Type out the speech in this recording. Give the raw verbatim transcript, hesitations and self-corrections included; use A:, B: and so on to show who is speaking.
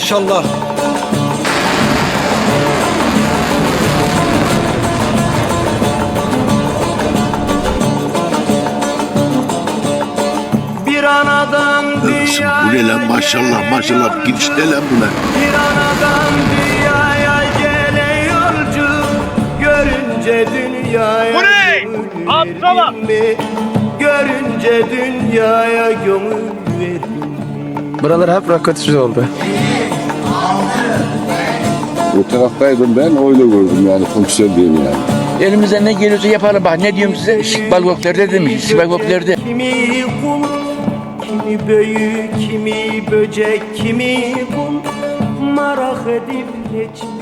A: maşallah.
B: Bir anadan dünyaya
C: Bu ne lan maşallah maşallah girişte lan bunlar.
B: Bir anadan dünyaya gelen yolcu görünce dünyaya
D: Bu ne?
B: gönül
D: Aptala!
B: verdin mi? Görünce dünyaya gönül verdin mi?
E: Buralar hep rakatüz oldu.
F: O taraftaydım ben, öyle gördüm yani komiser diyeyim yani.
G: Elimizden ne geliyorsa yapalım. Bak ne diyorum size? İstikbal göklerde demiş. İstikbal göklerde.
B: Kimi kul, kimi büyü, kimi böcek, kimi kul, merak edip geçmiş.